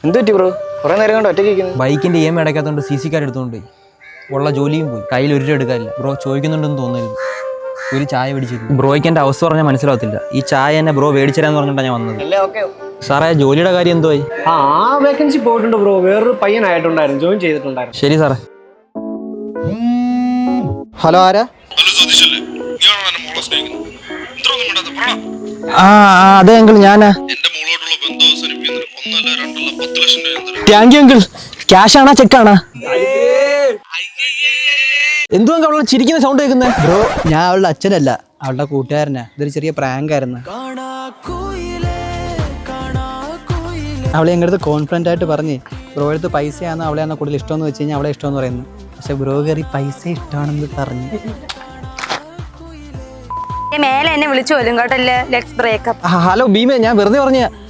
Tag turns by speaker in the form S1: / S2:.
S1: എന്ത് പറ്റി ബ്രോ? കുറെ നേരം കൊണ്ട് ഒറ്റയ്ക്ക്
S2: ബൈക്കിന്റെ EMI അടയ്ക്കാത്തതുകൊണ്ട് CC കാർഡ് എടുത്തുകൊണ്ട് പോയി. ഉള്ള ജോലിയും പോയി. കയ്യിൽ ഒരു രൂപ എടുക്കാനില്ല. ബ്രോ ചോദിക്കുന്നുണ്ടെന്ന് തോന്നരുത്. ഒരു ചായ മേടിച്ചിരുന്നു. ബ്രോയ്ക്ക് എൻ്റെ അവസ്ഥ പറഞ്ഞാൽ മനസ്സിലാവത്തില്ല. ഈ ചായ എന്നെ ബ്രോ മേടിച്ചരാന്ന് പറഞ്ഞിട്ടാണ് ഞാൻ വന്നത്. സാറേ ജോലിയുടെ കാര്യം എന്തോയി?
S1: ആ വേക്കൻസി പോയിട്ടുണ്ട് ബ്രോ. വേറൊരു പയ്യനായിട്ടുണ്ടായിരുന്നു, ജോയിൻ ചെയ്തിട്ടുണ്ടായിരുന്നു.
S2: ശരി സാറേ.
S3: ഹലോ, ആരാ?
S2: അതെ അങ്കിൾ, ഞാനാ. Thank you uncle. ക്യാഷ് ആണോ ചെക്കാണോ? എന്തോ അവളെ ചിരിക്കുന്ന സൗണ്ട് കേൾക്കുന്നത്?
S3: ബ്രോ, ഞാൻ അവളുടെ അച്ഛനല്ല, അവളുടെ കൂട്ടുകാരനാ. ഇതൊരു ചെറിയ പ്രാങ്ക് ആയിരുന്നു. അവളെ ഞങ്ങളുടെ അടുത്ത് കോൺഫിഡൻ്റ് ആയിട്ട് പറഞ്ഞ് ബ്രോ അടുത്ത് പൈസയാണ് അവളെയാണ് കൂടുതൽ ഇഷ്ടമെന്ന് വെച്ച് കഴിഞ്ഞാൽ അവളെ ഇഷ്ടമെന്ന് പറയുന്നു. പക്ഷെ ബ്രോ കയറി പൈസ ഇഷ്ടമാണെന്ന് പറഞ്ഞു.
S4: മേലെ എന്നെ വിളിച്ചു പോലും കേട്ടല്ലേ. Let's break up.
S2: ഹലോ ഭീമേ, ഞാൻ വെറുതെ പറഞ്ഞ